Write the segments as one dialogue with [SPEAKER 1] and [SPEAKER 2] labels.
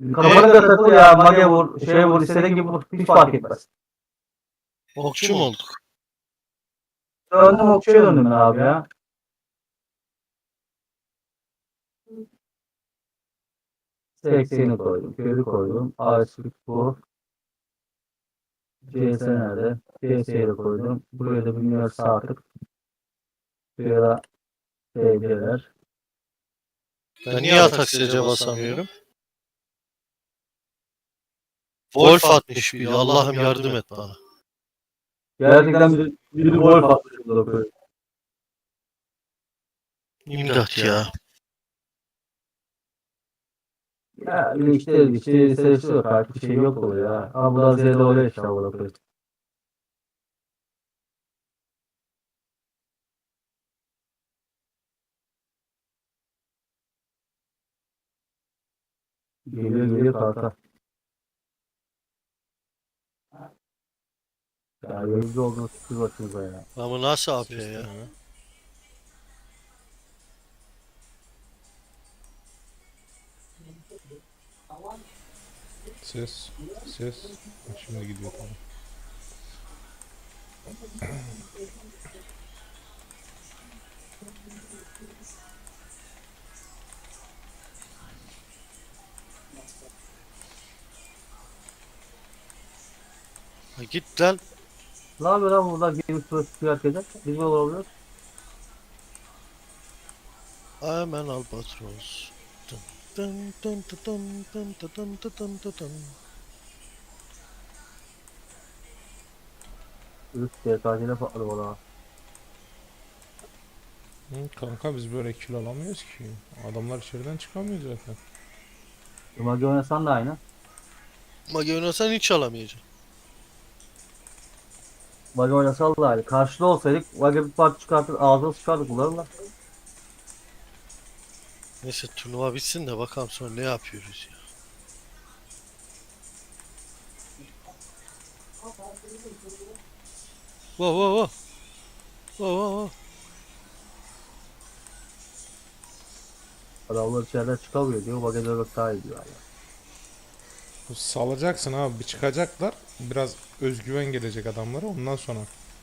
[SPEAKER 1] Kafanı da takıl ya. Mage vur. Şeye vur. İstediğin gibi vur. Hiç fark etmez.
[SPEAKER 2] Okçu mu olduk?
[SPEAKER 1] Döndüm okçuya döndüm ben abi ya. Sekseni koydum. Körü koydum. Ağaçlık bu. CS nerede? CS'ye de koydum. Buraya da bilmiyor sağ tık. Buraya da TC'ler.
[SPEAKER 2] Ben niye atak sece basamıyorum? Wolf atmış bir. Allah'ım yardım et bana.
[SPEAKER 1] Gerçekten bir gol patmış burada böyle.
[SPEAKER 2] İmdat ya.
[SPEAKER 1] Ya işte seçiyor artık bir şey yok oluyor ya. Ama bu da Z'de oluyor işte burada. Geliyor kanka. Ya gözlü olduğunu şükür başımıza ya.
[SPEAKER 2] Ama nasıl AP
[SPEAKER 3] Ses
[SPEAKER 2] ya?
[SPEAKER 3] deneme. Ses. Ses. Bak şimdi gidiyor tamam.
[SPEAKER 2] Ha, git lan.
[SPEAKER 1] Ne yapıyor lan burada gemi süresi herkese? Biz mi olabiliyoruz?
[SPEAKER 2] Hemen albatros. Dın dın dın dın dın dın dın dın dın dın dın.
[SPEAKER 1] Üst DKC'de patladı valla.
[SPEAKER 3] Kanka biz böyle kill alamıyoruz ki. Adamlar içeriden çıkamıyor zaten.
[SPEAKER 1] Mage oynasan da aynı.
[SPEAKER 2] Mage oynasan hiç alamayacaksın.
[SPEAKER 1] Mage oynasan da aynı. Karşıda olsaydık Mage bir parça çıkartır ağzına sıçardık bunların da.
[SPEAKER 2] Neyse turnuva bitsin de bakalım sonra ne yapıyoruz ya. Wow wow wow. Wow wow wow.
[SPEAKER 1] Adamlar içeriden çıkamıyor diyor. Mage dövmek daha iyi diyor. Yani.
[SPEAKER 3] Salacaksın abi bir çıkacaklar. Biraz özgüven gelecek adamlara ondan sonra.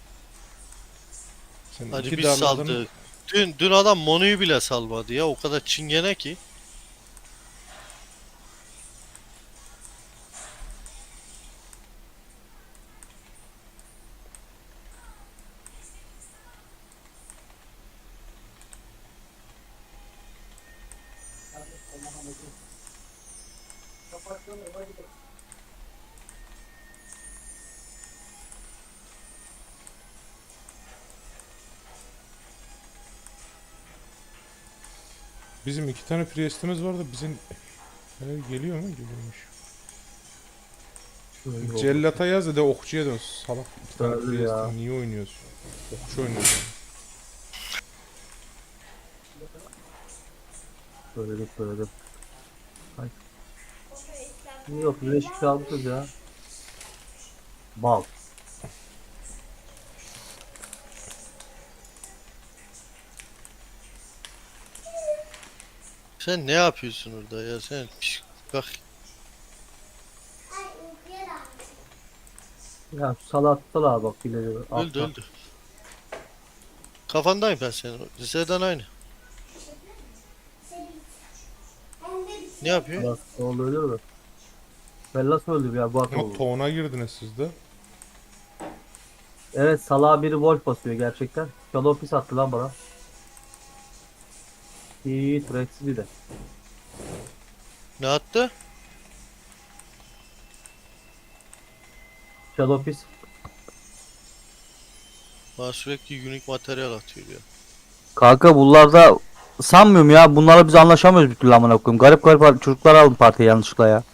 [SPEAKER 3] Sen
[SPEAKER 2] Hadi
[SPEAKER 3] iki
[SPEAKER 2] biz
[SPEAKER 3] darladın.
[SPEAKER 2] saldık. Dün adam Monu'yu bile salmadı ya. O kadar çingene ki.
[SPEAKER 3] Bizim iki tane priestimiz vardı. Bizim geliyor mu? Geliyormuş. Cellata yaz da okçuya dön. Salak iki tane
[SPEAKER 1] Öldü ya.
[SPEAKER 3] priestim. Niye oynuyorsun? Okçu oynuyorsun.
[SPEAKER 1] Söyledim. Ay. Yok birleşik almışız ya. Bal.
[SPEAKER 2] Sen ne yapıyorsun orada ya? Sen bak.
[SPEAKER 1] Ya şu salattılar bak ileri.
[SPEAKER 2] Öldü öldü. Kafandayım ben senin. Liseden aynı. Ne yapıyor?
[SPEAKER 1] Salat oldu ölür mü? Bellas öldü ya bu akıl
[SPEAKER 3] Ama
[SPEAKER 1] oldu.
[SPEAKER 3] toğuna girdiniz siz de.
[SPEAKER 1] Evet salağa biri wolf basıyor gerçekten. Shadow pis attı lan bana. İyi Rex'i bir de.
[SPEAKER 2] Ne attı?
[SPEAKER 1] Shadow pis.
[SPEAKER 2] Bana sürekli unique materyal atıyor ya.
[SPEAKER 1] Kanka bunlarda sanmıyorum ya. Bunlarla biz anlaşamıyoruz bir türlü amına koyayım. Garip garip çocuklar aldım partiye yanlışlıkla ya.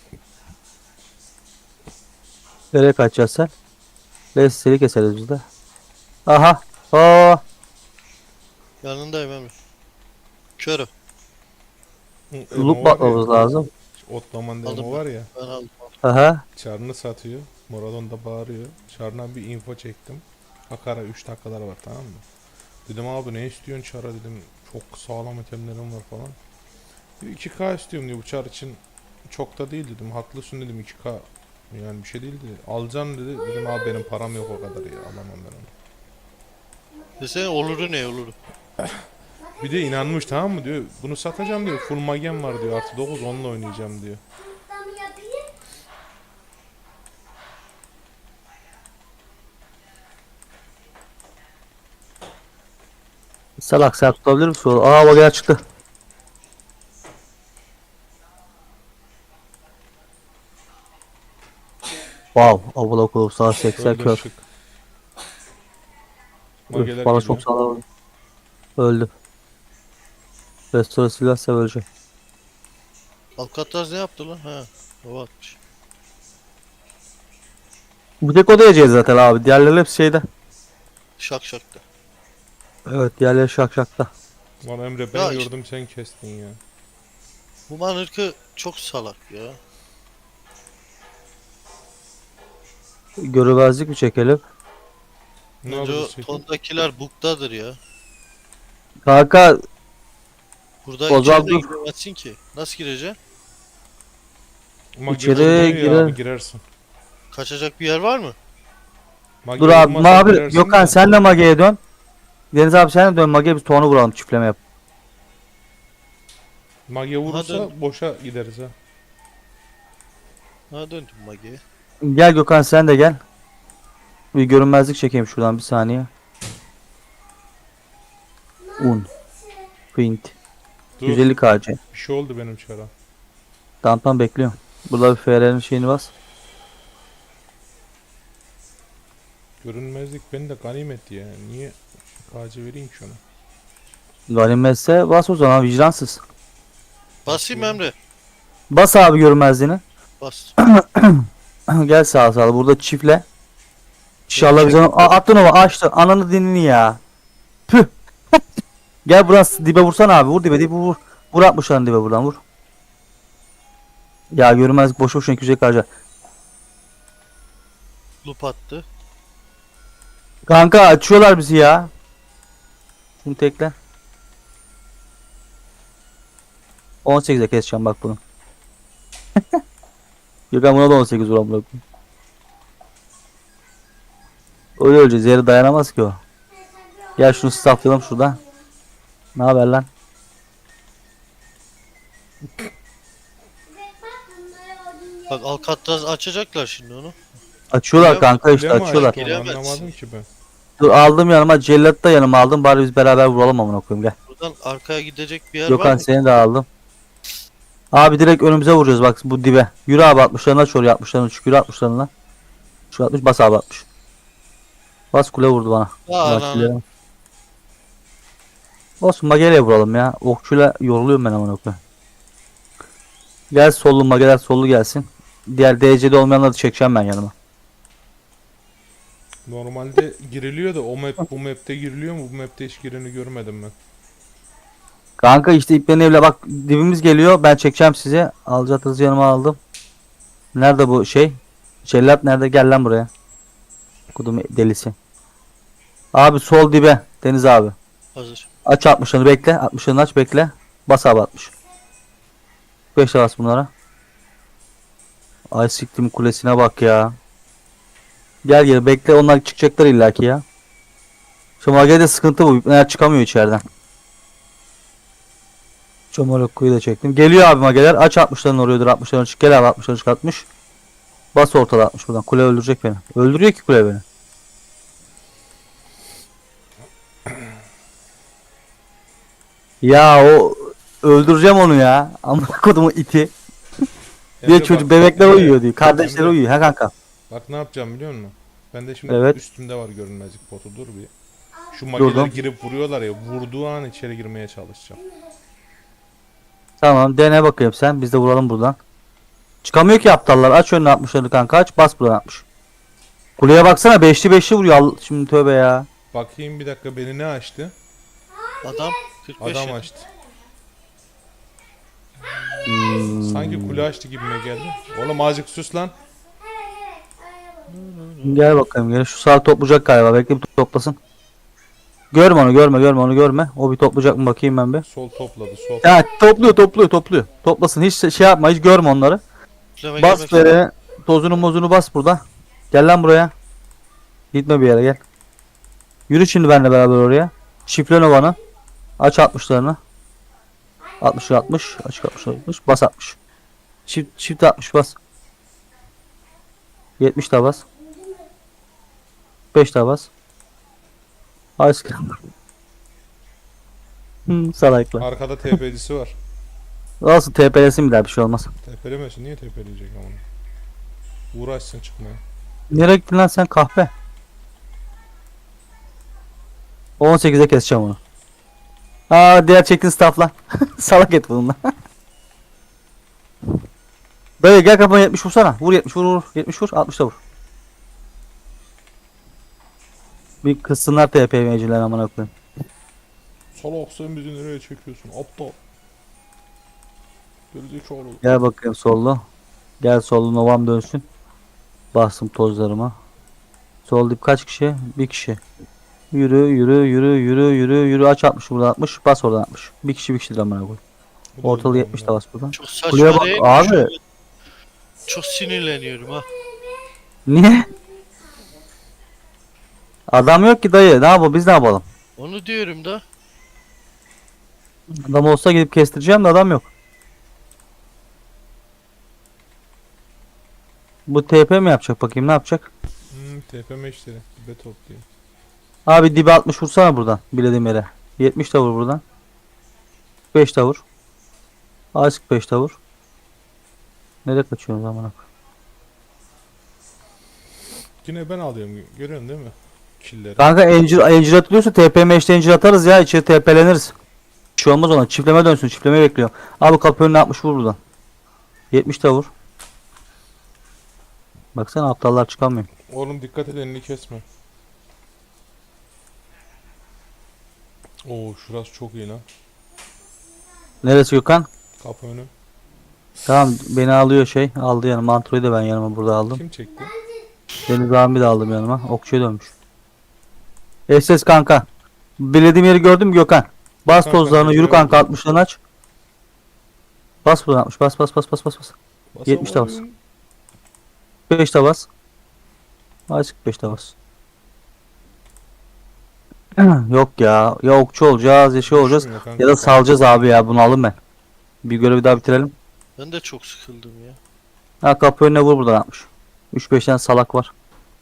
[SPEAKER 1] Nereye kaçacağız sen? Seni keseriz biz de. Aha. Oo.
[SPEAKER 2] Yanındayım Emre. Körüm.
[SPEAKER 3] Emo
[SPEAKER 1] Loop
[SPEAKER 3] var ya.
[SPEAKER 1] bakmamız lazım.
[SPEAKER 3] Ottoman
[SPEAKER 2] Aldım
[SPEAKER 3] Emo
[SPEAKER 2] ben.
[SPEAKER 3] var ya.
[SPEAKER 2] Ben aldım.
[SPEAKER 1] Aha.
[SPEAKER 3] Çarını satıyor. Moradon da bağırıyor. Çarına bir info çektim. Hakara 3 dakikalar var tamam mı? Dedim abi ne istiyorsun çara dedim. Çok sağlam itemlerim var falan. Diyor 2K istiyorum diyor bu çar için. çok da değil dedim. Haklısın dedim 2K. Yani bir şey değildi. Alacaksın dedi. Dedim abi benim param yok o kadar ya. Alamam ben onu.
[SPEAKER 2] Desene oluru ne oluru?
[SPEAKER 3] Bir de inanmış tamam mı diyor. Bunu satacağım diyor. Full magem var diyor. Artı 9 onunla oynayacağım diyor.
[SPEAKER 1] Salak sen tutabilir misin? Aa bak ya çıktı. Wow. Abla kulüp sağ 80
[SPEAKER 3] Öldü
[SPEAKER 1] kör.
[SPEAKER 3] şık.
[SPEAKER 1] Üf,
[SPEAKER 3] Mageler
[SPEAKER 1] bana
[SPEAKER 3] geliyor.
[SPEAKER 1] çok sağlam. Öldü. Restore silah ölecek.
[SPEAKER 2] Alcatraz ne yaptı lan? Ha. Hava atmış.
[SPEAKER 1] Bir tek o da yiyeceğiz zaten abi. Diğerleri hepsi şeyde.
[SPEAKER 2] Şak şakta.
[SPEAKER 1] Evet diğerleri şakşakta.
[SPEAKER 3] Lan Emre ben
[SPEAKER 2] Ya
[SPEAKER 3] gördüm sen kestin ya.
[SPEAKER 2] Bu manırkı çok salak ya.
[SPEAKER 1] Görüvezlik mi çekelim?
[SPEAKER 3] Ne
[SPEAKER 2] Bence o
[SPEAKER 3] yapacağız?
[SPEAKER 2] tondakiler buktadır ya.
[SPEAKER 1] Kanka
[SPEAKER 2] Burada
[SPEAKER 1] o zaman
[SPEAKER 2] içeri de
[SPEAKER 1] dur.
[SPEAKER 2] giremezsin ki. Nasıl gireceksin?
[SPEAKER 3] Mage
[SPEAKER 1] İçeri
[SPEAKER 3] vurmuyor ya
[SPEAKER 1] girer.
[SPEAKER 3] abi girersin.
[SPEAKER 2] Kaçacak bir yer var mı?
[SPEAKER 3] Mage
[SPEAKER 1] Dur abi.
[SPEAKER 3] vurmazsa
[SPEAKER 1] Abi
[SPEAKER 3] girersin
[SPEAKER 1] Gökhan
[SPEAKER 3] de.
[SPEAKER 1] sen de Mage'ye dön. Deniz abi sen de dön Mage'ye biz tonu vuralım çiftleme yap.
[SPEAKER 3] Mage vurursa
[SPEAKER 2] Hadi.
[SPEAKER 3] boşa gideriz ha.
[SPEAKER 2] Ha döndüm Mage'ye.
[SPEAKER 1] Gel Gökhan sen de gel. Bir görünmezlik çekeyim şuradan bir saniye. Un. Print.
[SPEAKER 3] Dur
[SPEAKER 1] 150 KC.
[SPEAKER 3] bir şey oldu benim çara.
[SPEAKER 1] Tamam bekliyorum. Burada bir FR'nin şeyini bas.
[SPEAKER 3] Görünmezlik beni de ganimet ya. Niye KC vereyim ki ona?
[SPEAKER 1] Ganimetse bas o zaman vicdansız.
[SPEAKER 2] Basayım Emre.
[SPEAKER 1] Bas abi görünmezliğini.
[SPEAKER 2] Bas.
[SPEAKER 1] Gel sağa sağa burada çiftle. İnşallah biz onu attın o açtı. Ananı dinini ya. Püh. Gel burası dibe vursan abi. Vur dibe vur. Vur 60'ların dibe buradan vur. Ya görünmezlik boş boşuna 200 harca.
[SPEAKER 2] Loop attı.
[SPEAKER 1] Kanka açıyorlar bizi ya. Şunu tekle. 18'e keseceğim bak bunu. Gökhan buna da 18 vuran bırakın. Öyle öleceğiz. Yere dayanamaz ki o. Gel şunu stafflayalım şurada. Ne haber lan?
[SPEAKER 2] Bak Alcatraz açacaklar şimdi onu.
[SPEAKER 1] Açıyorlar
[SPEAKER 2] Bile-
[SPEAKER 1] kanka işte
[SPEAKER 3] Bile mi
[SPEAKER 1] açıyorlar.
[SPEAKER 3] açtı onu
[SPEAKER 2] Giremezsin.
[SPEAKER 3] anlamadım ki ben.
[SPEAKER 1] Dur aldım yanıma. Cellat'ı da yanıma aldım. Bari biz beraber vuralım amına koyayım gel.
[SPEAKER 2] Buradan arkaya gidecek bir yer var
[SPEAKER 1] Gökhan
[SPEAKER 2] mı?
[SPEAKER 1] seni de aldım. Abi direkt önümüze vuracağız bak bu dibe. Yürü abi 60'larına aç oraya 60'larına çık. Yürü 60'larına. Şu 60 bas abi 60. Bas kule vurdu bana.
[SPEAKER 2] Aa,
[SPEAKER 1] Vaktiyle. Olsun mageyle vuralım ya. Okçuyla yoruluyorum ben amına koyayım. Gel sollu mageler sollu gelsin. Diğer DC'de olmayanları da çekeceğim ben yanıma.
[SPEAKER 3] Normalde giriliyor da o map bu map'te giriliyor mu? Bu map'te hiç gireni görmedim ben.
[SPEAKER 1] Kanka işte iplerin evle bak dibimiz geliyor. Ben çekeceğim sizi. Alacatınızı yanıma aldım. Nerede bu şey? Cellat nerede? Gel lan buraya. Kudum delisi. Abi sol dibe. Deniz abi.
[SPEAKER 2] Hazır.
[SPEAKER 1] Aç 60'ını bekle. 60'ını aç bekle. Bas abi 60. 5'e bas bunlara. Ay siktim kulesine bak ya. Gel gel bekle onlar çıkacaklar illaki ya. Şu Mage'de sıkıntı bu. Eğer çıkamıyor içeriden. Çomolokkuyu da çektim. Geliyor abi Mage'ler. Aç 60'ların oraya 60'ların çık. Gel abi 60'ların çık 60. Bas ortada 60 buradan. Kule öldürecek beni. Öldürüyor ki kule beni. Ya o öldüreceğim onu ya. Amına kodumun iti. Diye
[SPEAKER 3] Emre
[SPEAKER 1] çocuk
[SPEAKER 3] bak,
[SPEAKER 1] bebekler
[SPEAKER 3] Emre,
[SPEAKER 1] uyuyor diyor. Kardeşleri
[SPEAKER 3] Emre,
[SPEAKER 1] uyuyor ha kanka.
[SPEAKER 3] Bak ne yapacağım biliyor musun? Ben de şimdi
[SPEAKER 1] Evet.
[SPEAKER 3] üstümde var görünmezlik botu dur bir. Şu mageler
[SPEAKER 1] Durdum.
[SPEAKER 3] girip vuruyorlar ya vurduğu an içeri girmeye çalışacağım.
[SPEAKER 1] Tamam dene bakayım sen. Biz de vuralım buradan. Çıkamıyor ki aptallar. Aç önüne 60'ları kanka aç. Bas buradan 60. Kuleye baksana 5'li 5'li vuruyor. Şimdi tövbe ya.
[SPEAKER 3] Bakayım bir dakika beni ne açtı?
[SPEAKER 2] Adam 45
[SPEAKER 3] Adam
[SPEAKER 2] ya.
[SPEAKER 3] açtı.
[SPEAKER 1] Hmm.
[SPEAKER 3] Sanki kule açtı gibime geldi. Oğlum azıcık sus lan.
[SPEAKER 1] Gel bakayım gel. Şu saat toplayacak galiba. Bekle bir toplasın. Görme onu, görme onu, görme. O bir toplayacak mı bakayım ben bir.
[SPEAKER 3] Sol topladı sol.
[SPEAKER 1] Ya topluyor. Toplasın, hiç şey yapma, hiç görme onları.
[SPEAKER 2] Üfleme
[SPEAKER 1] Bas
[SPEAKER 2] gelmek
[SPEAKER 1] böyle, tozunu mozunu bas burada. Gel lan buraya. Gitme bir yere, gel. Yürü şimdi benimle beraber oraya. Şifre Nova'nı. Aç 60'larını. 60 60 açık 60 60 bas 60. Çift 60 bas. 70 daha bas. 5 daha bas. Aşk. Salaklar.
[SPEAKER 3] Arkada TP'cisi var.
[SPEAKER 1] Olsun, TP'lesin bir daha, bir şey olmaz.
[SPEAKER 3] TP'lemesin, niye TP'leyecek ama? Uğraşsın çıkmaya.
[SPEAKER 1] Nereye gittin lan sen kahpe? 18'e keseceğim onu. Aa, diğer çektin staffla. Salak et bununla. Böyle gel, kafana 70 vursana. Vur 70, vur 70 vur, 60 da vur. Bir kızsınlar TPM'ciler amına koyayım.
[SPEAKER 3] Salak, sen bizi nereye çekiyorsun? Aptal. Gerizekalı.
[SPEAKER 1] Gel bakayım sollu. Gel sollu, Novam dönsün. Bastım tozlarıma. Sol dip kaç kişi? Bir kişi. Yürü aç 60 burada 60. Bas oradan 60. Bir kişidir amına koyayım.
[SPEAKER 3] Bu da
[SPEAKER 1] Ortalığı
[SPEAKER 3] öyle
[SPEAKER 1] 70 de
[SPEAKER 3] oldu.
[SPEAKER 1] bas buradan.
[SPEAKER 2] Çok
[SPEAKER 1] Kuleye
[SPEAKER 2] saçma
[SPEAKER 1] bak
[SPEAKER 2] değil mi?
[SPEAKER 1] abi.
[SPEAKER 2] Şu an çok sinirleniyorum ha.
[SPEAKER 1] Niye? Adam yok ki dayı. Ne yapalım? Biz ne yapalım?
[SPEAKER 2] Onu diyorum da.
[SPEAKER 1] Adam olsa gidip kestireceğim de adam yok. Bu TP mi yapacak bakayım, ne yapacak?
[SPEAKER 3] TPM işleri. Be toplayayım.
[SPEAKER 1] Abi dibe 60 vursana buradan bilediğim yere. 70 de vur buradan. 5 de vur. Azıcık 5 de vur. Nereye kaçıyorsun amına koyayım?
[SPEAKER 3] Yine ben alıyorum. Görüyorsun değil mi? Killleri.
[SPEAKER 1] Kanka encir atılıyorsa TPM işte encir atarız ya, içeri TP'leniriz. Bir şey olmaz ona, çiftleme dönsün, çiftleme bekliyor. Abi kapı önüne 60 vur buradan. 70 de vur. Baksana aptallar çıkamıyor.
[SPEAKER 3] Oğlum dikkat et, elini kesme. Oo, şurası çok iyi lan.
[SPEAKER 1] Neresi Gökhan?
[SPEAKER 3] Kapı önü.
[SPEAKER 1] Tamam, beni alıyor şey. Aldı yanıma. Antro'yu da ben yanıma burada aldım.
[SPEAKER 3] Kim çekti?
[SPEAKER 1] Deniz abi de aldım yanıma. Okçuya dönmüş. SS kanka. Bilediğim yeri gördün mü Gökhan? Bas
[SPEAKER 3] Kanka,
[SPEAKER 1] tozlarını, yürü
[SPEAKER 3] gördüm.
[SPEAKER 1] kanka, 60'larını aç. Bas buradan 60. Bas. 70 de bas.
[SPEAKER 3] Basamadım.
[SPEAKER 1] 5 de bas. Azıcık 5 de bas. Yok ya. Ya okçu olacağız ya şey olacağız.
[SPEAKER 3] Düşmüyor kanka.
[SPEAKER 1] Ya da salacağız abi ya, bunu alın ben. Bir görevi daha bitirelim.
[SPEAKER 2] Ben de çok sıkıldım ya.
[SPEAKER 1] Ha, kapı önüne vur buradan 60. 3-5 tane salak var.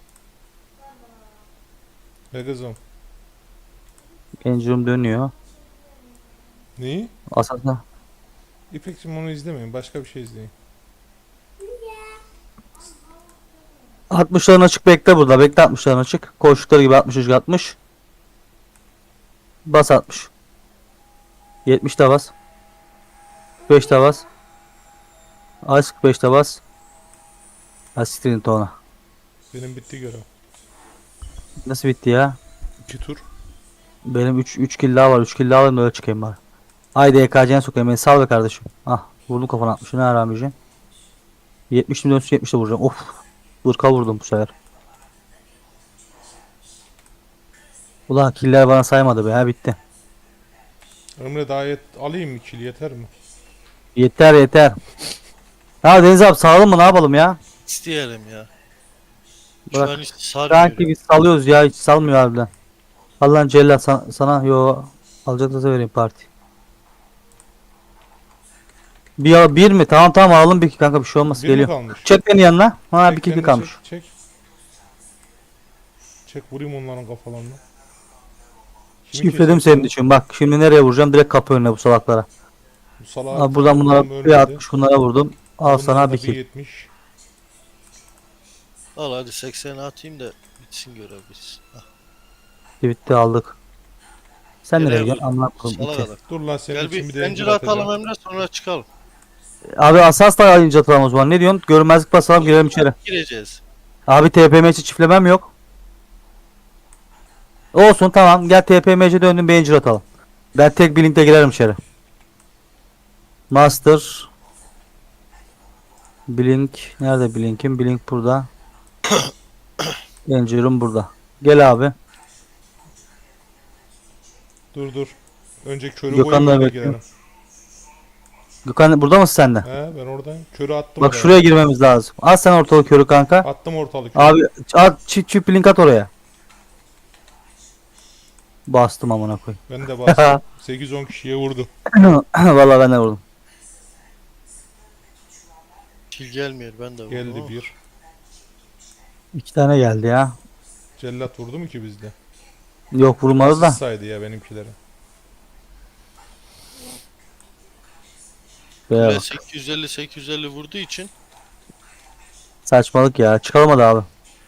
[SPEAKER 3] Be kızım.
[SPEAKER 1] Engine'im dönüyor.
[SPEAKER 3] Neyi?
[SPEAKER 1] Asasına.
[SPEAKER 3] İpek'cim onu izlemeyin. Başka bir şey izleyin.
[SPEAKER 1] 60'ların açık, bekle burada. Bekle 60'ların açık. Koştukları gibi 60 60. Bas 60. 70 de bas. 5 de bas. Azıcık 5 de bas. Asistini tona.
[SPEAKER 3] Benim bitti görev.
[SPEAKER 1] Nasıl bitti ya?
[SPEAKER 3] 2 tur.
[SPEAKER 1] Benim 3 kill daha var. 3 kill daha alayım da öyle çıkayım bari. Haydi EKC'ne sokayım beni. Sal be kardeşim. Ah, vurdum kafana 60'ı. Ne arameyeceğim. 70 milyon 70'de vuracağım. Of. 40'a vurdum bu sefer. Ulan killer bana saymadı be, ha bitti.
[SPEAKER 3] Ömre daha alayım mı kill, yeter mi?
[SPEAKER 1] Yeter. Ha Deniz abi, sağlam mı, ne yapalım ya?
[SPEAKER 2] İsteyelim ya.
[SPEAKER 1] Bırak.
[SPEAKER 2] Şu an hiç sarmıyor.
[SPEAKER 1] Sanki biz salıyoruz ya, hiç salmıyor harbiden. Allah'ın cellat sana yo alacaklarsa vereyim parti. Bir mi? Tamam alalım bir kanka, bir şey olmaz,
[SPEAKER 3] Bir mi
[SPEAKER 1] geliyor.
[SPEAKER 3] kalmış?
[SPEAKER 1] Çek beni yanına. Ha, bir
[SPEAKER 3] Çek
[SPEAKER 1] kill
[SPEAKER 3] kendini,
[SPEAKER 1] kalmış.
[SPEAKER 3] Çek. Çek, vurayım onların kafalarına. Kimi
[SPEAKER 1] Şifredim
[SPEAKER 3] kesiyorsun?
[SPEAKER 1] senin için, bak şimdi nereye vuracağım, direkt kapı önüne bu salaklara.
[SPEAKER 3] Bu salak.
[SPEAKER 1] Abi buradan bunlara bir 60, bunlara vurdum. Al sana bir kill.
[SPEAKER 3] 70.
[SPEAKER 2] Al hadi 80 atayım da bitsin görev bitsin. Ah,
[SPEAKER 1] Bitti, aldık. Sen
[SPEAKER 2] Nereye
[SPEAKER 1] nereye gidiyorsun?
[SPEAKER 2] vurdun?
[SPEAKER 1] Anlat koyayım.
[SPEAKER 2] Salak
[SPEAKER 1] iki.
[SPEAKER 2] adam.
[SPEAKER 3] Dur lan, senin
[SPEAKER 2] Gel
[SPEAKER 3] için bir
[SPEAKER 2] bir
[SPEAKER 3] de
[SPEAKER 2] zincir
[SPEAKER 3] incir atacağım.
[SPEAKER 2] atalım Emre, sonra çıkalım.
[SPEAKER 1] Abi asas da ayınca atalım o zaman. Ne diyorsun? Görmezlik basalım, girelim içeri.
[SPEAKER 2] Gireceğiz.
[SPEAKER 1] Abi TPMC çiftlemem yok. Olsun, tamam, gel TPMC döndüm, bir incir atalım. Ben tek bir linkle girerim içeri. Master Blink nerede, Blink'im? Blink burada. Incir'im burada. Gel abi.
[SPEAKER 3] Dur. Önce körü
[SPEAKER 1] Gökhan
[SPEAKER 3] koyayım
[SPEAKER 1] da
[SPEAKER 3] öyle
[SPEAKER 1] bekliyor.
[SPEAKER 3] girelim.
[SPEAKER 1] Gökhan burada mısın sen de?
[SPEAKER 3] He ben oradayım. Körü attım
[SPEAKER 1] Bak
[SPEAKER 3] oraya.
[SPEAKER 1] şuraya girmemiz lazım. Al sen ortalık körü kanka.
[SPEAKER 3] Attım ortalık körü.
[SPEAKER 1] Abi at çift link at oraya. Bastım amına koy.
[SPEAKER 3] Ben de bastım. 8-10 kişiye vurdum.
[SPEAKER 1] Vallahi ben de vurdum.
[SPEAKER 2] Kil gelmiyor ben de vurdum
[SPEAKER 3] Geldi
[SPEAKER 2] ama.
[SPEAKER 3] bir.
[SPEAKER 1] 2 tane geldi ya.
[SPEAKER 3] Cellat vurdu mu ki bizde?
[SPEAKER 1] Yok vurmadı da.
[SPEAKER 3] Asist saydı ya benimkileri.
[SPEAKER 1] Be,
[SPEAKER 2] Kule 850 vurduğu için
[SPEAKER 1] saçmalık ya. Çıkalım hadi abi.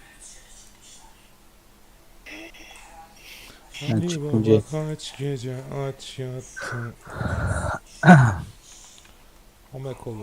[SPEAKER 1] Ben
[SPEAKER 3] Ali
[SPEAKER 1] çıkınca.
[SPEAKER 3] Baba kaç gece aç yattı. Omek olur.